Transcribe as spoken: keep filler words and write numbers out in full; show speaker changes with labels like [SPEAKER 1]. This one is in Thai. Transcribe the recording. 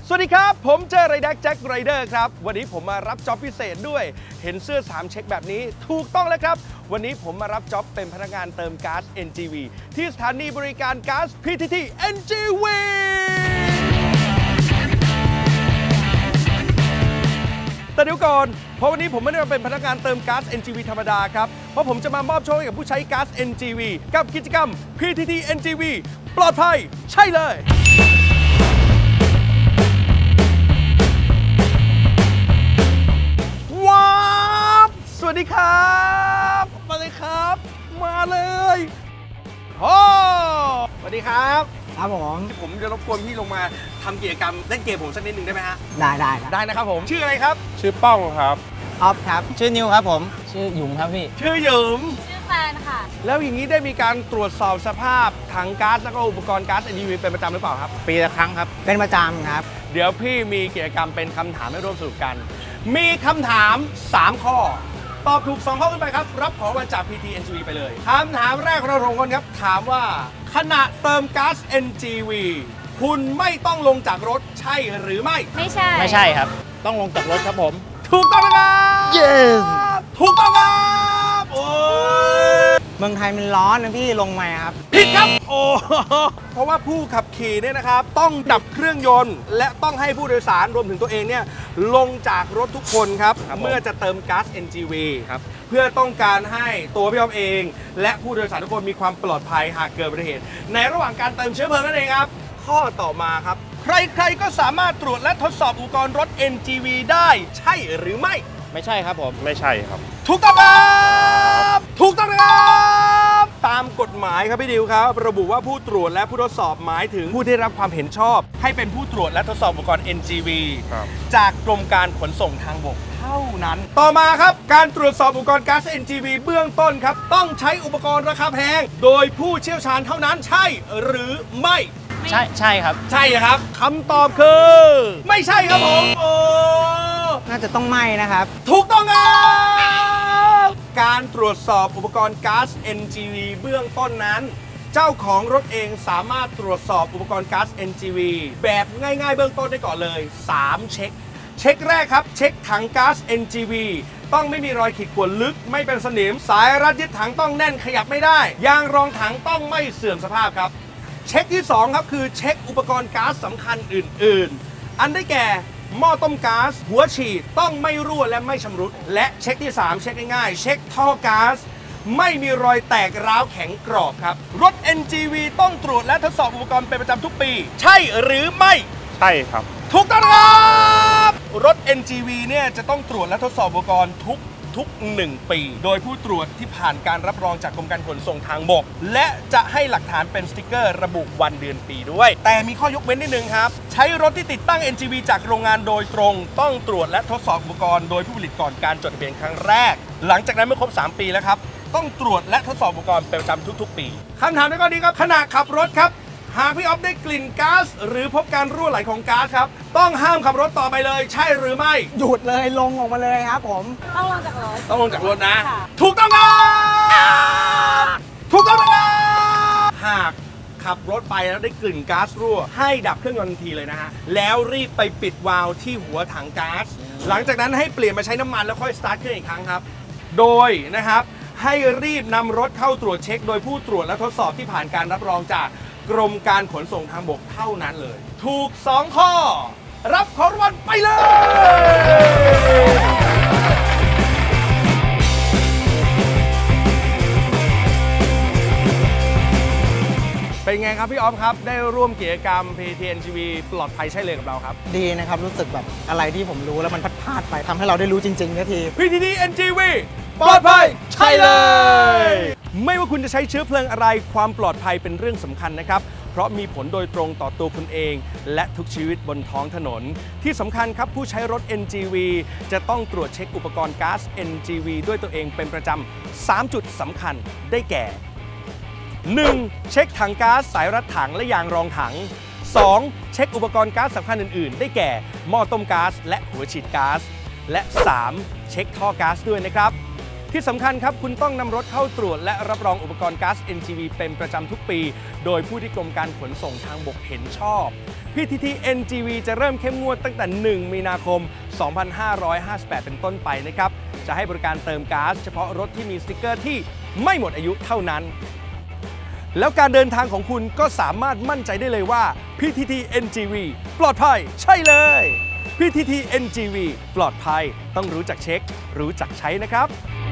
[SPEAKER 1] สวัสดีครับผมเจอไรแดกแจ็คไรเดอร์ครับวันนี้ผมมารับจ็อบพิเศษด้วยเห็นเสื้อสามเช็คแบบนี้ถูกต้องแล้วครับวันนี้ผมมารับจ็อบเป็นพนักงานเติมก๊าซ เอ็น จี วี ที่สถานีบริการก๊าซ พี ที ที เอ็น จี วี แต่เดี๋ยวก่อนเพราะวันนี้ผมไม่ได้มาเป็นพนักงานเติมก๊าซ เอ็น จี วี ธรรมดาครับเพราะผมจะมามอบโชคให้กับผู้ใช้ก๊าซ เอ็น จี วี กับกิจกรรม พี ที ที เอ็น จี วี ปลอดภัยใช่เลยว้าวสวัสดีครับมาเลยครับมาเลยโอ้สวัสดีครับ
[SPEAKER 2] ครับผม
[SPEAKER 1] ผมจะรบกวนพี่ลงมาทำกิจกรรมเล่นเกมผมสักนิดหนึ่งได้ไหมฮะ
[SPEAKER 2] ได้ได้
[SPEAKER 1] ได้นะครับผมชื่ออะไรครับ
[SPEAKER 3] ชื่อป้องครับ
[SPEAKER 2] ออฟครับชื่อนิวครับผมชื่อหยุมครับพี่
[SPEAKER 1] ชื่อหยุม
[SPEAKER 4] ชื่อแฟนค่ะ
[SPEAKER 1] แล้วอย่างนี้ได้มีการตรวจสอบสภาพถังก๊าซแล้วก็อุปกรณ์ก๊าซ เอ็น จี วี เป็นประจำหรือเปล่าครับ
[SPEAKER 3] ปีละครั้งครับ
[SPEAKER 2] เป็นประจำครับ
[SPEAKER 1] เดี๋ยวพี่มีกิจกรรมเป็นคำถามให้ร่วมสนุกกันมีคำถามสามข้อตอบถูกสองข้อขึ้นไปครับรับของรางวัลจาก พี ที ที เอ็น จี วี ไปเลยคำถามแรกของเราสองคนครับถามว่าขณะเติมก๊าซ เอ็น จี วี คุณไม่ต้องลงจากรถใช่หรือไม่
[SPEAKER 4] ไม่ใช่
[SPEAKER 3] ไม่ใช่ครับต้องลงจากรถครับผม
[SPEAKER 1] ถูกต้องครับ
[SPEAKER 2] yes
[SPEAKER 1] ถูกต้องครับโอ้
[SPEAKER 2] เมืองไทยมันร้อนนะพี่ลงมาครับ
[SPEAKER 1] ผิดครับโอ้เพราะว่าผู้ขับขี่เนี่ยนะครับต้องดับเครื่องยนต์และต้องให้ผู้โดยสารรวมถึงตัวเองเนี่ยลงจากรถทุกคนครับเมื่อจะเติมก๊าซ เอ็น จี วี ครับเพื่อต้องการให้ตัวพี่อ๊อฟเองและผู้โดยสารทุกคนมีความปลอดภัยหากเกิดอุบัติเหตุในระหว่างการเติมเชื้อเพลิงนั่นเองครับข้อต่อมาครับใครๆก็สามารถตรวจและทดสอบอุปกรณ์รถ เอ็น จี วี ได้ใช่หรือไม่
[SPEAKER 3] ไม่ใช่ครับผมไม่ใช่ครับ
[SPEAKER 1] ถูกต้องครับถูกต้องครับตามกฎหมายครับพี่ดิวครับระบุว่าผู้ตรวจและผู้ทดสอบหมายถึงผู้ได้รับความเห็นชอบให้เป็นผู้ตรวจและทดสอบอุปกรณ์ เอ็น จี วี จากกรมการขนส่งทางบกเท่านั้นต่อมาครับการตรวจสอบอุปกรณ์ก๊าซ เอ็น จี วี เบื้องต้นครับต้องใช้อุปกรณ์ราคาแพงโดยผู้เชี่ยวชาญเท่านั้นใช่หรือไม่
[SPEAKER 3] ใช่ใช่ครับ
[SPEAKER 1] ใช่ครับคำตอบคือไม่ใช่ครับผมโอ้
[SPEAKER 2] น่าจะต้องไม่นะครับ
[SPEAKER 1] ถูกต้องครับการตรวจสอบอุปกรณ์ก๊าซ เอ็น จี วี เบื้องต้นนั้นเจ้าของรถเองสามารถตรวจสอบอุปกรณ์ก๊าซ เอ็น จี วี แบบง่ายๆเบื้องต้นได้ก่อนเลยสามเช็คเช็คแรกครับเช็คถังก๊าซ เอ็น จี วี ต้องไม่มีรอยขีดข่วนลึกไม่เป็นสนิมสายรัดยึดถังต้องแน่นขยับไม่ได้ยางรองถังต้องไม่เสื่อมสภาพครับเช็คที่สองครับคือเช็คอุปกรณ์ก๊าซสำคัญอื่นๆอันได้แก่หม้อต้มก๊าซหัวฉีดต้องไม่รั่วและไม่ชำรุดและเช็คที่สามเช็คง่ายๆเช็คท่อก๊าซไม่มีรอยแตกร้าวแข็งกรอบครับรถ เอ็น จี วี ต้องตรวจและทดสอบอุปกรณ์เป็นประจำทุกปีใช่หรือไม่
[SPEAKER 3] ใช่ครับ
[SPEAKER 1] ถูกต้องครับรถ เอ็น จี วี เนี่ยจะต้องตรวจและทดสอบอุปกรณ์ทุกทุกหนึ่งปีโดยผู้ตรวจที่ผ่านการรับรองจากกรมการขนส่งทางบกและจะให้หลักฐานเป็นสติกเกอร์ระบุวันเดือนปีด้วยแต่มีข้อยกเว้นนิดนึงครับใช้รถที่ติดตั้ง เอ็น จี วี จากโรงงานโดยตรงต้องตรวจและทดสอบอุปกรณ์โดยผู้ผลิตก่อนการจดทะเบียนครั้งแรกหลังจากนั้นเมื่อครบสามปีแล้วครับต้องตรวจและทดสอบอุปกรณ์เป็นประจำทุกๆปีคำถามในข้อนี้ครับขณะขับรถครับหากพี่อ๊อฟได้กลิ่นก๊าซหรือพบการรั่วไหลของก๊าซครับต้องห้ามขับรถต่อไปเลยใช่หรือไม่
[SPEAKER 2] หยุดเลยลงออกมาเลยครับผม
[SPEAKER 4] ต้องลงจากรถ
[SPEAKER 1] ต้องลงจากรถนะถูกต้องครับถูกต้องครับหากขับรถไปแล้วได้กลิ่นก๊าซรั่วให้ดับเครื่องยนต์ทันทีเลยนะฮะแล้วรีบไปปิดวาล์วที่หัวถังก๊าซหลังจากนั้นให้เปลี่ยนมาใช้น้ำมันแล้วค่อยสตาร์ทเครื่องอีกครั้งครับโดยนะครับให้รีบนำรถเข้าตรวจเช็คโดยผู้ตรวจและทดสอบที่ผ่านการรับรองจากกรมการขนส่งทางบกเท่านั้นเลยถูกสองข้อรับของรางวัลไปเลยเป็นไงครับพี่อ๊อฟครับได้ร่วมกิจกรรม พี ที ที เอ็น จี วี ปลอดภัยใช่เลยกับเราครับ
[SPEAKER 2] ดีนะครับรู้สึกแบบอะไรที่ผมรู้แล้วมันพลาดไปทำให้เราได้รู้จริงๆนาที
[SPEAKER 1] พี ที ที เอ็น จี วี ปลอดภัยใช่เลยไม่ว่าคุณจะใช้เชื้อเพลิงอะไรความปลอดภัยเป็นเรื่องสำคัญนะครับเพราะมีผลโดยตรงต่อตัวคุณเองและทุกชีวิตบนท้องถนนที่สำคัญครับผู้ใช้รถ เอ็น จี วี จะต้องตรวจเช็คอุปกรณ์ก๊าซ เอ็น จี วี ด้วยตัวเองเป็นประจำสามจุดสำคัญได้แก่ หนึ่ง เช็คถังก๊าซสายรัดถังและยางรองถัง สอง เช็คอุปกรณ์ก๊าซสำคัญอื่นๆได้แก่หม้อต้มก๊าซและหัวฉีดก๊าซและ สาม เช็คท่อก๊าซด้วยนะครับที่สำคัญครับคุณต้องนำรถเข้าตรวจและรับรองอุปกรณ์ก๊าซ เอ็น จี วี เป็นประจำทุกปี โดยผู้ที่กรมการขนส่งทางบกเห็นชอบ พี ที ที เอ็น จี วี จะเริ่มเข้มงวดตั้งแต่ หนึ่ง มีนาคม สองพันห้าร้อยห้าสิบแปด เป็นต้นไปนะครับจะให้บริการเติมก๊าซเฉพาะรถที่มีสติ๊กเกอร์ที่ไม่หมดอายุเท่านั้น แล้วการเดินทางของคุณก็สามารถมั่นใจได้เลยว่า พี ที ที เอ็น จี วี ปลอดภัยใช่เลย พี ที ที เอ็น จี วี ปลอดภัยต้องรู้จักเช็ค รู้จักใช้นะครับ